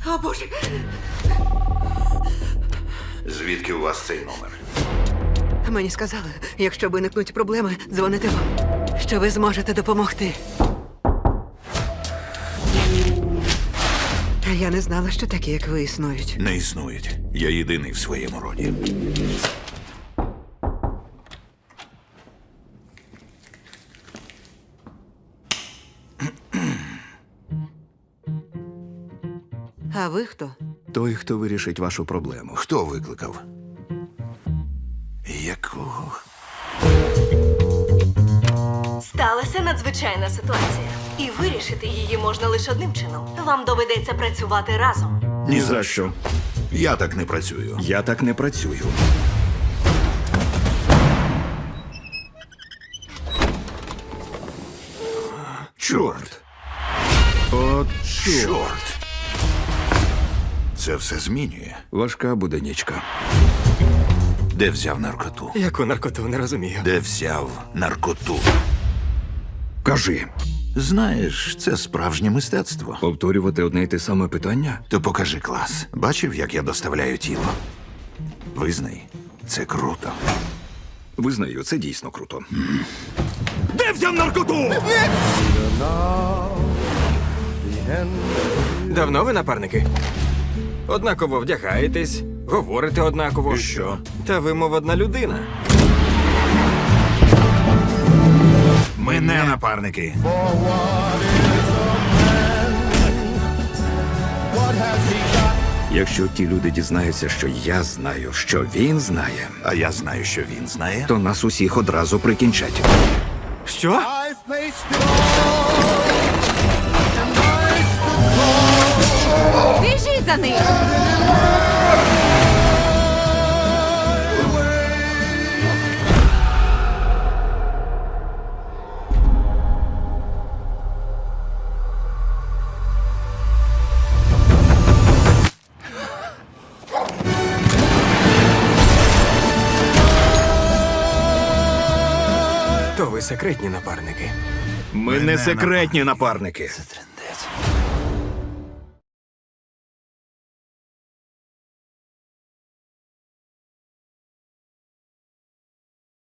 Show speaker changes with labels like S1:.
S1: О, Боже!
S2: Звідки у вас цей номер?
S1: Мені сказали, якщо виникнуть проблеми, дзвоните вам, що ви зможете допомогти. Та я не знала, що такі, як ви, існують.
S2: Не існують. Я єдиний в своєму роді.
S1: А ви хто?
S3: Той, хто вирішить вашу проблему.
S2: Хто викликав? Якого?
S4: Сталася надзвичайна ситуація. І вирішити її можна лише одним чином. Вам доведеться працювати разом.
S3: Ні за що.
S2: Я так не працюю.
S3: Я так не працюю.
S2: Чорт!
S3: От
S2: Чорт! Це все змінює.
S3: важка буде нічка.
S2: Де взяв наркоту?
S5: Яку наркоту, не розумію.
S2: Де взяв наркоту?
S3: Кажи,
S2: Знаєш, це справжнє мистецтво.
S3: повторювати одне й те саме питання?
S2: То покажи клас. Бачив, як я доставляю тіло? Визнай, це круто.
S3: Визнаю, це дійсно круто. Де взяв наркоту?
S5: Давно ви напарники? Однаково вдягаєтесь, говорите однаково.
S2: І що?
S5: Та ви, мов одна людина.
S2: Ми не напарники.
S3: Якщо ті люди дізнаються, що я знаю, що він знає,
S2: А я знаю, що він знає.
S3: то нас усіх одразу прикінчать.
S5: Що?
S1: Біжіть за ним!
S5: То ви секретні напарники.
S3: Ми не секретні напарники.